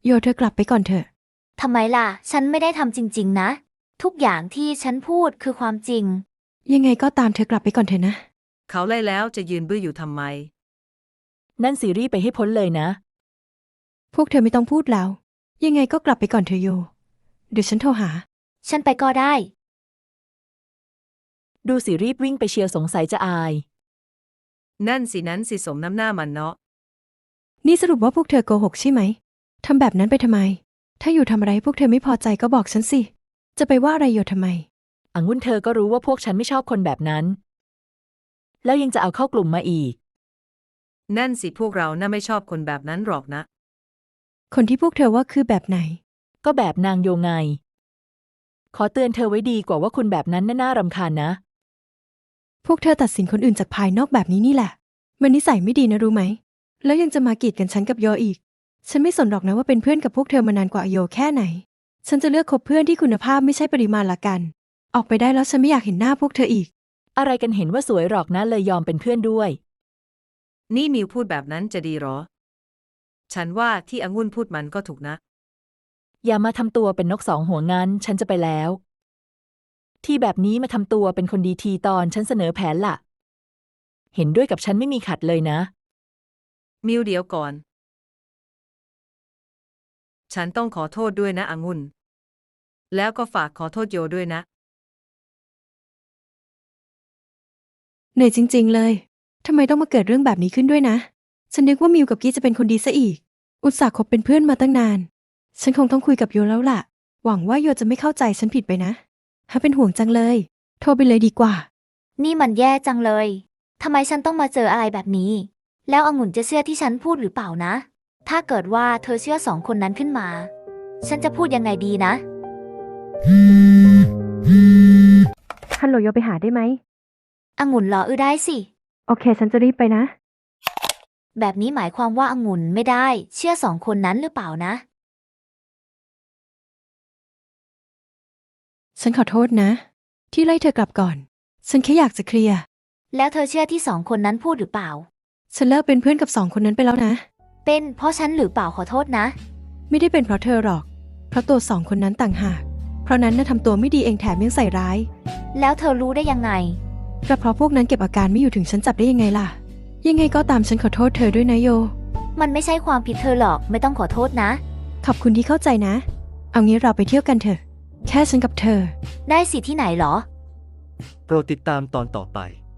โยเธอกลับไปก่อนเถอะทำไมล่ะฉันไม่ได้ทำจริงๆนะทุกอย่างที่ฉันพูดคือความจริงยังไงก็ตามเธอกลับไปก่อนเถอะนะเขาไล่แล้วจะยืนบื้ออยู่ทำไมนั่นซีรีส์ไปให้พ้นเลยนะพวกเธอไม่ต้องพูดแล้ว ยังไงก็กลับไปก่อนเถอะโย เดี๋ยวฉันโทรหาฉันไปก็ได้ดูสิรีบวิ่งไปเชียวสงสัยจะอายนั่นสิสมน้ำหน้ามันเนาะนี่สรุปว่าพวกเธอโกหกใช่ไหมทำแบบนั้นไปทำไม ถ้าอยู่ทำอะไรพวกเธอไม่พอใจก็บอกฉันสิ จะไปว่าอะไรโยทำไมองุ่นเธอก็รู้ว่าพวกฉันไม่ชอบคนแบบนั้น แล้วยังจะเอาเข้ากลุ่มมาอีกนั่นสิพวกเราน่าไม่ชอบคนแบบนั้นหรอกนะคนที่พวกเธอว่าคือแบบไหนก็แบบนางโยไง ขอเตือนเธอไว้ดีกว่าว่าคุณแบบนั้นน่ารำคาญนะพวกเธอตัดสินคนอื่นจากภายนอกแบบนี้นี่แหละ มันนิสัยไม่ดีนะรู้ไหม แล้วยังจะมากีดกันฉันกับโยอีก ฉันไม่สนหรอกนะว่าเป็นเพื่อนกับพวกเธอมานานกว่าโยแค่ไหน ฉันจะเลือกคบเพื่อนที่คุณภาพไม่ใช่ปริมาณละกัน ออกไปได้แล้วฉันไม่อยากเห็นหน้าพวกเธออีกอะไรกันเห็นว่าสวยหรอกนะเลยยอมเป็นเพื่อนด้วยนี่มิวพูดแบบนั้นจะดีหรอ ฉันว่าที่องุ่นพูดมันก็ถูกนะอย่ามาทำตัวเป็นนกสองหัวงั้นฉันจะไปแล้ว ที่แบบนี้มาทำตัวเป็นคนดีทีตอนฉันเสนอแผนล่ะ เห็นด้วยกับฉันไม่มีขัดเลยนะมิวเดี๋ยวก่อน ฉันต้องขอโทษด้วยนะองุ่น แล้วก็ฝากขอโทษโยด้วยนะเหนื่อยจริงๆเลย ทำไมต้องมาเกิดเรื่องแบบนี้ขึ้นด้วยนะ ฉันนึกว่ามิวกับกี้จะเป็นคนดีซะอีก อุตส่าห์คบเป็นเพื่อนมาตั้งนาน ฉันคงต้องคุยกับโยแล้วล่ะ หวังว่าโยจะไม่เข้าใจฉันผิดไปนะถ้าเป็นห่วงจังเลย โทรไปเลยดีกว่านี่มันแย่จังเลยทำไมฉันต้องมาเจออะไรแบบนี้ แล้วองุ่นจะเชื่อที่ฉันพูดหรือเปล่านะ ถ้าเกิดว่าเธอเชื่อสองคนนั้นขึ้นมา ฉันจะพูดยังไงดีนะฮัลโหลโยไปหาได้ไหมองุ่นรอได้สิโอเค ฉันจะรีบไปนะแบบนี้หมายความว่าองุ่นไม่ได้เชื่อสองคนนั้นหรือเปล่านะฉันขอโทษนะ ที่ไล่เธอกลับก่อน ฉันแค่อยากจะเคลียร์แล้วเธอเชื่อที่สองคนนั้นพูดหรือเปล่าฉันเลิกเป็นเพื่อนกับสองคนนั้นไปแล้วนะเป็นเพราะฉันหรือเปล่าขอโทษนะไม่ได้เป็นเพราะเธอหรอก เพราะตัวสองคนนั้นต่างหาก เพราะนั้นน่ะทำตัวไม่ดีเองแถมยังใส่ร้ายแล้วเธอรู้ได้ยังไงก็เพราะพวกนั้นเก็บอาการไม่อยู่ถึงฉันจับได้ยังไงล่ะ ยังไงก็ตามฉันขอโทษเธอด้วยนะโยมันไม่ใช่ความผิดเธอหรอกไม่ต้องขอโทษนะขอบคุณที่เข้าใจนะ เอางี้เราไปเที่ยวกันเถอะ แค่ฉันกับเธอได้สิที่ไหนหรอโปรดติดตามตอนต่อไป